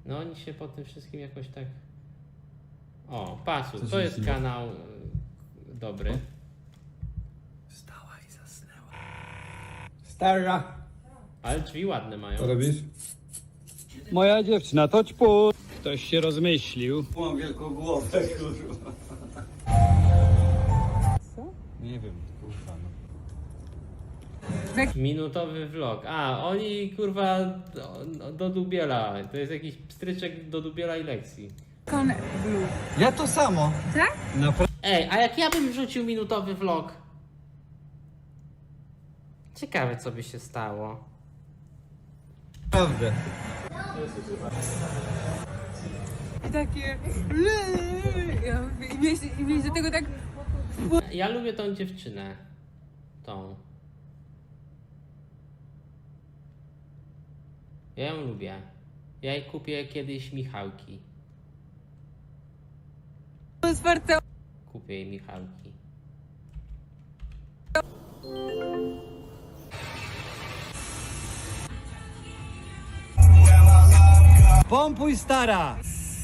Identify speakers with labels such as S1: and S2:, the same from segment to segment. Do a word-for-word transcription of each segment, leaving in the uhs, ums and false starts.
S1: No oni się po tym wszystkim jakoś tak... O, Pasu,
S2: Co
S1: to
S2: się
S1: jest
S2: dzieje?
S1: kanał y, dobry.
S2: Wstała i zasnęła.
S3: Stara,
S1: Ale drzwi ładne mają.
S2: Co robisz?
S3: moja dziewczyna, to ćpu. Ktoś się rozmyślił.
S2: Mam wielką głowę, kurwa.
S3: Co?
S2: Nie wiem, kurwa, no.
S1: Minutowy vlog. A, oni kurwa do, do Dubiela. To jest jakiś pstryczek do Dubiela i lekcji.
S4: Con Blue.
S2: Ja to samo.
S4: Tak?
S1: Ej, a jak ja bym wrzucił minutowy vlog? Ciekawe co by się stało.
S2: Naprawdę.
S4: I takie... Ja mówię, I mieć, i mieć do tego tak...
S1: Ja lubię tą dziewczynę. Tą. Ja ją lubię. Ja jej kupię kiedyś Michałki.
S4: Otwarte...
S1: Kupię jej Michałki.
S3: Pompuj, stara!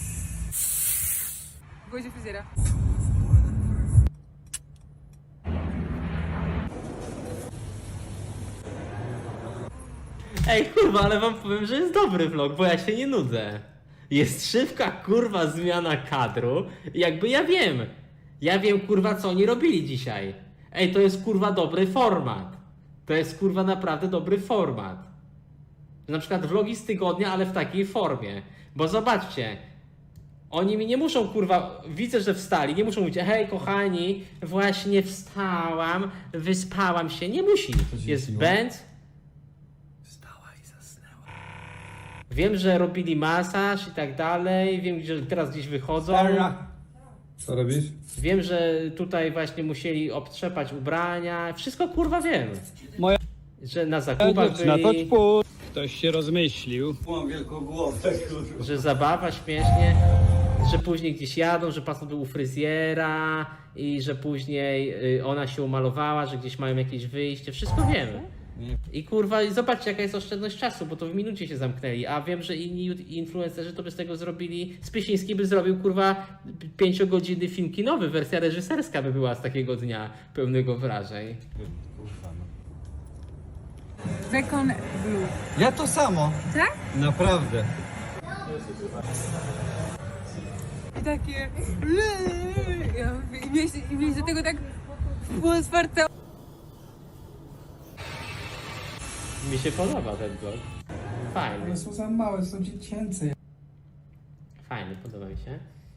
S4: W głodzie fryzjera.
S1: Ej kurwa, ale wam powiem, że jest dobry vlog, bo ja się nie nudzę. Jest szybka kurwa zmiana kadru. Jakby ja wiem. Ja wiem kurwa co oni robili dzisiaj. Ej, to jest kurwa dobry format. To jest kurwa naprawdę dobry format. Na przykład vlogi z tygodnia, ale w takiej formie. Bo zobaczcie. Oni mi nie muszą kurwa, widzę, że wstali, nie muszą mówić, hej kochani, właśnie wstałam, wyspałam się. Nie musi.
S2: się
S1: Jest
S2: siło?
S1: Benz.
S2: Wstała i zasnęła.
S1: Wiem, że robili masaż i tak dalej. Wiem, że teraz gdzieś wychodzą.
S3: Stara.
S2: Co robisz?
S1: Wiem, że tutaj właśnie musieli obtrzepać ubrania. Wszystko kurwa wiem.
S3: Moja
S1: Że na zakupach
S3: dziewczyna, to
S1: byli,
S3: ćpu. Ktoś się rozmyślił.
S2: Mam wielką głowę, kurwa.
S1: że zabawa śmiesznie, że później gdzieś jadą, że pastor był u fryzjera i że później y, ona się umalowała, że gdzieś mają jakieś wyjście. Wszystko wiem.
S2: Nie.
S1: I kurwa, i zobaczcie jaka jest oszczędność czasu, bo to w minucie się zamknęli, a wiem, że inni influencerzy to by z tego zrobili, Spysiński by zrobił kurwa pięciogodzinny film kinowy, wersja reżyserska by była z takiego dnia pełnego wrażeń.
S2: Kurwa, no.
S4: Con Blue.
S2: Ja to samo.
S4: Tak?
S2: Naprawdę.
S4: I takie... Ja mówię, I mieć, i mieć do tego tak... Otwarte...
S1: Mi się podoba ten vlog. Fajny,
S5: One są za małe, są dziecięce.
S1: fajny, podoba mi się.